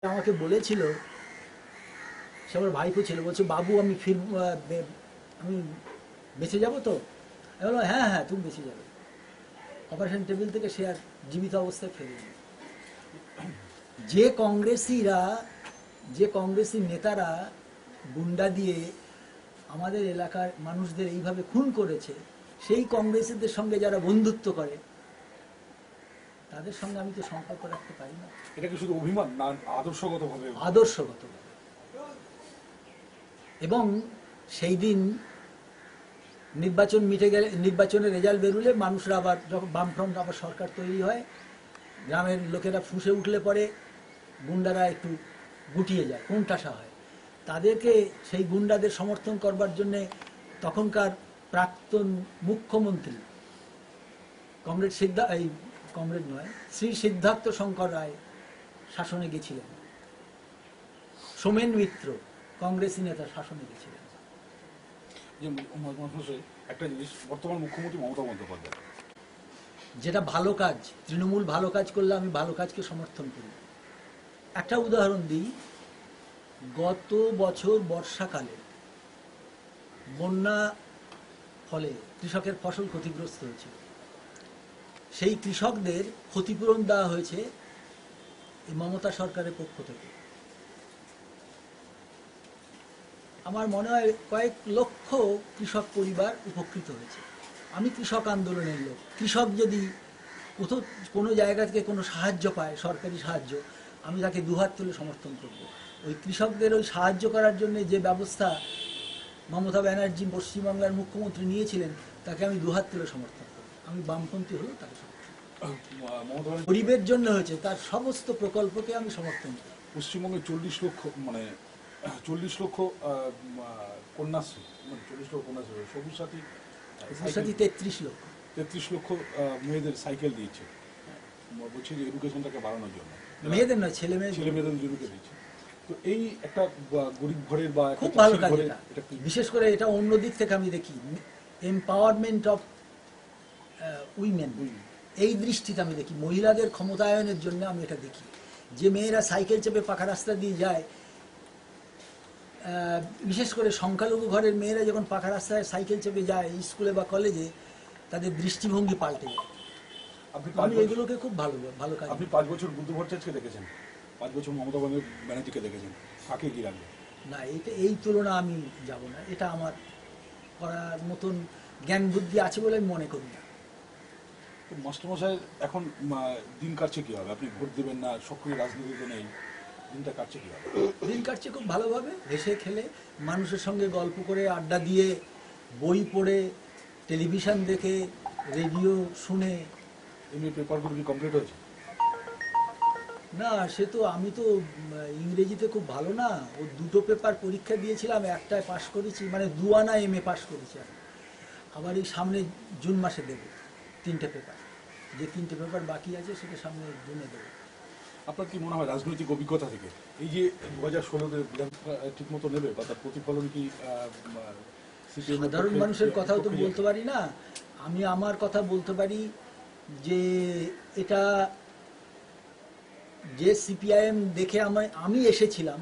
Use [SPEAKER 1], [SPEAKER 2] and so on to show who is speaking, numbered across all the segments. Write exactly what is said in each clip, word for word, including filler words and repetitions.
[SPEAKER 1] আমাকে বলেছিল, সে আমার ভাইপো ছিল, বলছে বাবু আমি ফির আমি বেঁচে যাব তো? আমি বললাম হ্যাঁ হ্যাঁ তুমি বেঁচে যাবে। অপারেশন টেবিল থেকে সে আর জীবিত অবস্থায় ফেরেনি। যে কংগ্রেসিরা যে কংগ্রেসি নেতারা গুন্ডা দিয়ে আমাদের এলাকার মানুষদের এইভাবে খুন করেছে, সেই কংগ্রেসীদের সঙ্গে যারা বন্ধুত্ব করে তাদের সঙ্গে আমি তো সম্পর্ক রাখতে পারি না।
[SPEAKER 2] এটা কি শুধু অভিমান না আদর্শগতভাবে?
[SPEAKER 1] আদর্শগতভাবে। এবং সেই দিন নির্বাচন মিটে গেলে, নির্বাচনের রেজাল্ট বেরুলে মানুষরা আবার যখন বামফ্রন্ট আবার সরকার তৈরি হয়, গ্রামের লোকেরা ফুঁসে উঠলে পরে গুন্ডারা একটু গুটিয়ে যায়, কোণঠাসা হয়। তাদেরকে সেই গুন্ডাদের সমর্থন করবার জন্যে তখনকার প্রাক্তন মুখ্যমন্ত্রী কমরেড সিদ্ধা এই কমরেড নয় শ্রী সিদ্ধার্থ শঙ্কর রায় শাসনে গেছিলেন। সোমেন মিত্র কংগ্রেসী নেতা শাসনে গেছিলেন।
[SPEAKER 2] একটা জিনিস, বর্তমান মুখ্যমন্ত্রী মমতা বন্দ্যোপাধ্যায়
[SPEAKER 1] যেটা ভালো কাজ, তৃণমূল ভালো কাজ করলে আমি ভালো কাজকে সমর্থন করি। একটা উদাহরণ দিই, গত বছর বর্ষাকালে বন্যা ফলে কৃষকের ফসল ক্ষতিগ্রস্ত হয়েছিল। সেই কৃষকদের ক্ষতিপূরণ দেওয়া হয়েছে এই মমতা সরকারের পক্ষ থেকে। আমার মনে হয় কয়েক লক্ষ কৃষক পরিবার উপকৃত হয়েছে। আমি কৃষক আন্দোলনের লোক। কৃষক যদি কোথাও কোনো জায়গা থেকে কোনো সাহায্য পায়, সরকারি সাহায্য, আমি তাকে দুহাত তুলে সমর্থন করব। ওই কৃষকদের ওই সাহায্য করার জন্য যে ব্যবস্থা মমতা ব্যানার্জি পশ্চিমবাংলার মুখ্যমন্ত্রী নিয়েছিলেন, তাকে আমি দুহাত তুলে সমর্থন করব। আমি বামপন্থী হলেও তাকে সমর্থন করব। গরিবের জন্য হয়েছে তার সমস্ত প্রকল্পকে আমি সমর্থন করি।
[SPEAKER 2] পশ্চিমবঙ্গে চল্লিশ লক্ষ মানে চল্লিশ লক্ষ কন্যাশ্রী, মানে চল্লিশ লক্ষ কন্যাশ্রী, সবুজ সাথী
[SPEAKER 1] সাথী তেত্রিশ লক্ষ
[SPEAKER 2] তেত্রিশ লক্ষ মেয়েদের সাইকেল দিয়েছে। বলছি যে এডুকেশনটাকে বাড়ানোর জন্য,
[SPEAKER 1] মেয়েদের নয় ছেলে মেয়ে
[SPEAKER 2] ছেলে মেয়েদের জুড়ে দিচ্ছে। তো এই একটা গরিব ঘরের বা
[SPEAKER 1] খুব ভালো কাজ এটা। বিশেষ করে এটা অন্য দিক থেকে আমি দেখি, এম্পাওয়ারমেন্ট অফ উইমেন, এই দৃষ্টিতে আমি দেখি, মহিলাদের ক্ষমতায়নের জন্য আমি এটা দেখি। যে মেয়েরা সাইকেল চেপে পাকা রাস্তা দিয়ে যায়, বিশেষ করে সংখ্যালঘু ঘরের মেয়েরা যখন পাকা রাস্তায় সাইকেল চেপে যায় স্কুলে বা কলেজে, তাদের দৃষ্টিভঙ্গি পাল্টে যায়। আমি এগুলোকে খুব ভালো ভালো কাজ।
[SPEAKER 2] আপনি পাঁচ বছর বুদ্ধ ভট্টাচার্যকে দেখেছেন, পাঁচ বছর মমতা ব্যানার্জিকে দেখেছেন, কাকে কি রাখবেন?
[SPEAKER 1] না, এটা এই তুলনা আমি যাব না। এটা আমার করার মতন জ্ঞান বুদ্ধি আছে বলে আমি মনে করি না।
[SPEAKER 2] মাস্টারমশাই এখন দিন কাটছে কীভাবে? আপনি ভোট দেবেন না, সক্রিয় রাজনীতিতে নেই, দিনটা কাটছে কীভাবে?
[SPEAKER 1] দিন কাটছে খুব ভালোভাবে, হেসে খেলে, মানুষের সঙ্গে গল্প করে, আড্ডা দিয়ে, বই পড়ে, টেলিভিশন দেখে, রেডিও শুনে।
[SPEAKER 2] এমনি পেপারগুলো কি কমপ্লিট হয়েছে?
[SPEAKER 1] না, সে তো আমি তো ইংরেজিতে খুব ভালো না। ও দুটো পেপার পরীক্ষা দিয়েছিলাম, একটায় পাশ করেছি, মানে দুয়ানা এম এ পাশ করেছি। আমি আবার এই সামনে জুন মাসে দেবো তিনটে পেপার। যে তিনটে পেপার বাকি আছে সেটা সামনে জুনে দেবো।
[SPEAKER 2] আপনার কি মনে হয় রাজনৈতিক অভিজ্ঞতা থেকে এই যে দু হাজার ষোলোতে বিধানসভা ঠিক মতো নেবে বা তার প্রতিফলন কি?
[SPEAKER 1] সাধারণ মানুষের কথাও তো বলতে পারি না আমি, আমার কথা বলতে পারি যে এটা যে সিপিআইএম দেখে আমি আমি এসেছিলাম,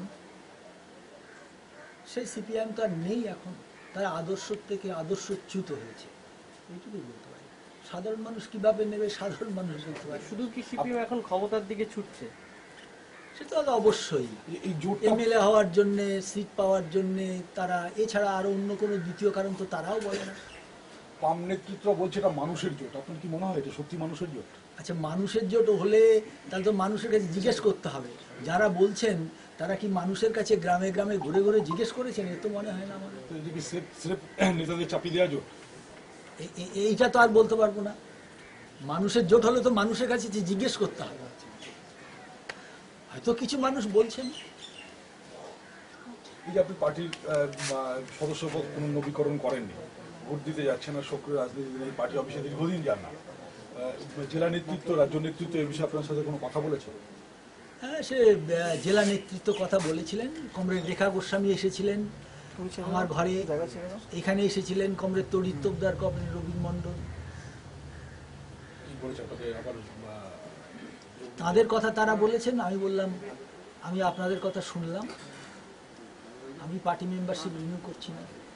[SPEAKER 1] সেই সিপিআইএম তো আর নেই এখন। তারা আদর্শ থেকে আদর্শচ্যুত হয়েছে, এইটুকুই বলতে পারি। সাধারণ মানুষ কিভাবে নেবে, সাধারণ মানুষ বলতে পারে।
[SPEAKER 3] শুধু কি সিপিএম এখন ক্ষমতার দিকে ছুটছে?
[SPEAKER 1] সেটা তো অবশ্যই, এমএলএ হওয়ার জন্যে, সিট পাওয়ার জন্যে তারা, এছাড়া আরো অন্য কোনো দ্বিতীয় কারণ তো তারাও বলে না।
[SPEAKER 2] বাম নেতৃত্ব বলছে এটা মানুষের জোট, আপনার কি মনে হয় এটা সত্যি মানুষের জোট?
[SPEAKER 1] আচ্ছা, মানুষের জোট হলে তাহলে তো মানুষের কাছে জিজ্ঞেস করতে হবে। যারা বলছেন তারা কি মানুষের কাছে গ্রামে গ্রামে ঘুরে ঘুরে জিজ্ঞেস করেছেন? এ তো মনে হয় না আমাদের।
[SPEAKER 2] নেতাদের চাপিয়ে দেওয়া জোট,
[SPEAKER 1] এইটা তো আর বলতে পারবো না। মানুষের জোট হলে তো মানুষের কাছে জিজ্ঞেস করতে হবে। হয়তো কিছু মানুষ বলছেন।
[SPEAKER 2] এই যে আপনি পার্টির সদস্য পদ পুনর্নবীকরণ করেননি, ভোট দিতে যাচ্ছেন না, সক্রিয় রাজনীতি নেই, পার্টি অফিসে দীর্ঘদিন যান না, জেলা নেতৃত্ব, রাজ্য নেতৃত্ব এই বিষয়ে আপনার সাথে কোনো কথা বলেছে?
[SPEAKER 1] হ্যাঁ, সে জেলা নেতৃত্ব কথা বলেছিলেন। কমরেড রেখা গোস্বামী এসেছিলেন আমার ঘরে, এখানে এসেছিলেন কমরেড তড়িৎ তোপদার, কমরেড রবীন মণ্ডল। তাদের কথা তারা বলেছেন, আমি বললাম আমি আপনাদের কথা শুনলাম, আমি পার্টি মেম্বারশিপ রিনিউ করছি না।